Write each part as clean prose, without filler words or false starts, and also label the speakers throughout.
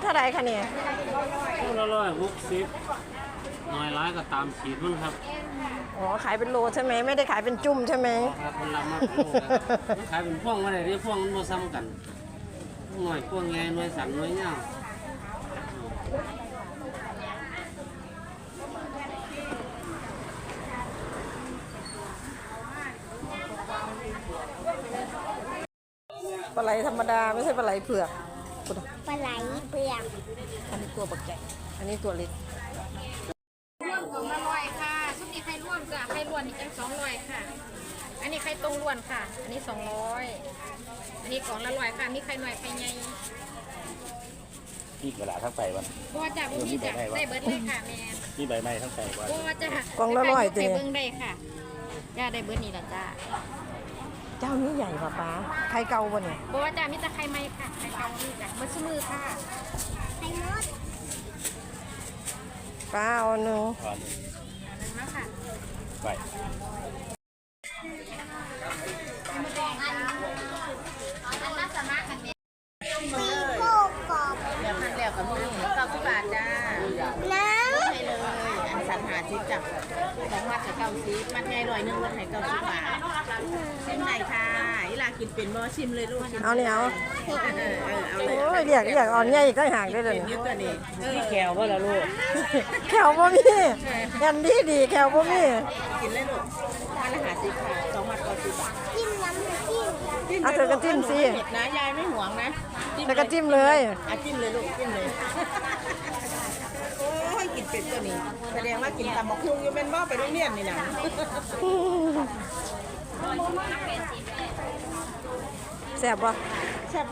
Speaker 1: ท่าไรคะเนี่ย
Speaker 2: คู่ละ160น้อยร้ายก็ตามขีดมันครับ
Speaker 1: อ๋อขายเป็นโลใช่ไหมไม่ได้ขายเป็นจุ่มใช่ไหม
Speaker 2: ครับมันละมากโลครับขายเป็นพ่วงมาได้ที่พ่วงมันบ่ซ้ำกันหน่อยพ่วงใหญ่หน่วยสันหน่วยยาว
Speaker 1: ปลาไหลธรรมดาไม่ใช่ปลาไหลเผือก
Speaker 3: ปลาไหลเปลือก
Speaker 1: อันนี้ตัวปักใหญ่อันนี้ตัวเล็ก
Speaker 4: ร่วมของ100ค่ะชุดนี้ไข่ร่วมจ้ะไข่ล้วนนี่จัง200ค่ะอันนี้ไข่ตรงล้วนค่ะอันนี้200อันนี้กล่องละ100ค่ะมีไข่หน่อยไข่ใหญ่
Speaker 5: พี่กระดาษทั้งใบวัน
Speaker 4: บัวจ้ะบัวมีจ้ะได้เบิร์ดเลยค่ะแม่
Speaker 5: พี่ใบไม้ทั้งใบวัน
Speaker 4: บัวจ้ะ
Speaker 1: กล่องละ100
Speaker 4: ไข่เบิ้งได้ค่ะจ้าได้เบิร์ดนี่ละจ้า
Speaker 1: เจ้านี้ใหญ่ป่ะป้าไข่เก่าป่ะเนี่ย
Speaker 4: บัวจ้ะมีแต่ไข่ใหม่ค่ะไข่เก่านี่จ้ะเบิร์ดมือค่ะ
Speaker 3: ไข่มด
Speaker 1: ป้าเอาหนึ่ง
Speaker 4: มาค่ะ
Speaker 5: ใบ
Speaker 4: อันละสามารถกันเนี่ย
Speaker 3: ปีโป้กรอบ
Speaker 4: เดี๋ยวพันแล้วกับมือ90 บาทจ้า
Speaker 3: น้ำ
Speaker 4: ให้เลยอันสันหาชิปจ้ะ2 มัดกับ90มัดใหญ่100ลดให้90 บาทชิมไหนค่ะอีหลากินเป็นบ่ชิมเลยลูก
Speaker 1: เอาเนี่ยเอา
Speaker 4: เอาเลย
Speaker 1: โอ้ยเรียกอ่อนใหญ่ก็ห่างได้เลย
Speaker 4: เยอะตัวนี้
Speaker 2: ที่แก้วว่าละลูก
Speaker 1: แขวบ่มียันดีแขวบ่มี
Speaker 4: กินเลยลูกมัดละ50ค่ะ2 มัด90 บาท
Speaker 3: จิ้มน้ำจิ้ม
Speaker 1: เอาเธอก็จิ้มสิ
Speaker 4: เผ็ดนะยายไม่หวงนะ
Speaker 1: เธอก็จิ้มเลย
Speaker 4: จิ้มเลยลูกจิ้มเลยโอ้ยกินเป็ดตัวนี้แสดงว่ากินตำบักหุ่งอยู่เป็นบ่ไปโรงเรียนนี่นะ
Speaker 1: แซ่บป่ะ
Speaker 4: แซ่บไหม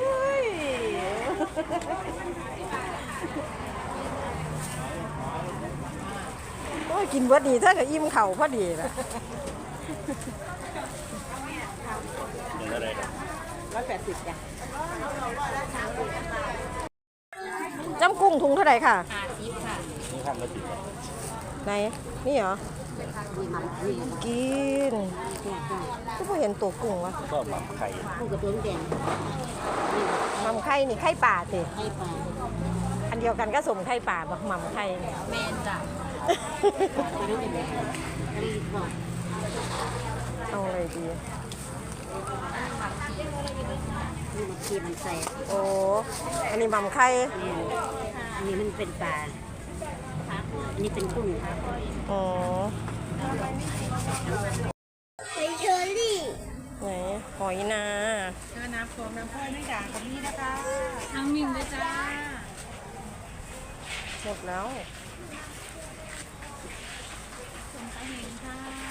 Speaker 1: โอ้ยกินเบิดดีถ้ากับอิ่มเข่าพอดีแหละ
Speaker 5: เงินอะไรกัน
Speaker 4: 180จ้ะ
Speaker 1: จ้ำกุ้งถุงเท่าไหร่ค่ะ
Speaker 4: 50ค่ะ
Speaker 5: นี่ทำแล้วติดไหม
Speaker 1: ไหนนี่เหรอกินก็ไม่เห็นตัวกุ้งวะ
Speaker 5: ก็หมักไข่
Speaker 4: กุ้งกับตัวแดง
Speaker 1: หม่ำไข่นี่ไข่ป่าสิ
Speaker 4: ไข่ปลา
Speaker 1: อันเดียวกันก็สมไข่ป่าบักหม่ำไข่
Speaker 4: แมนจ้ะ
Speaker 1: เอาอะไรดี
Speaker 4: นี่มันใส่
Speaker 1: โอ้อันนี้หม่ำไข่
Speaker 4: อันนี้มันเป็นปลาอันนี้เป็นกุ้ง
Speaker 1: อ๋อ
Speaker 3: ไข่เชอรี่
Speaker 1: ไหนหอยนา
Speaker 4: น้ำโฟมน้ำพลอยไม่ด่างกับนี่นะคะน้ำมินเลยจ้า
Speaker 1: หมดแล้ว
Speaker 4: สมตาเห็นค่ะ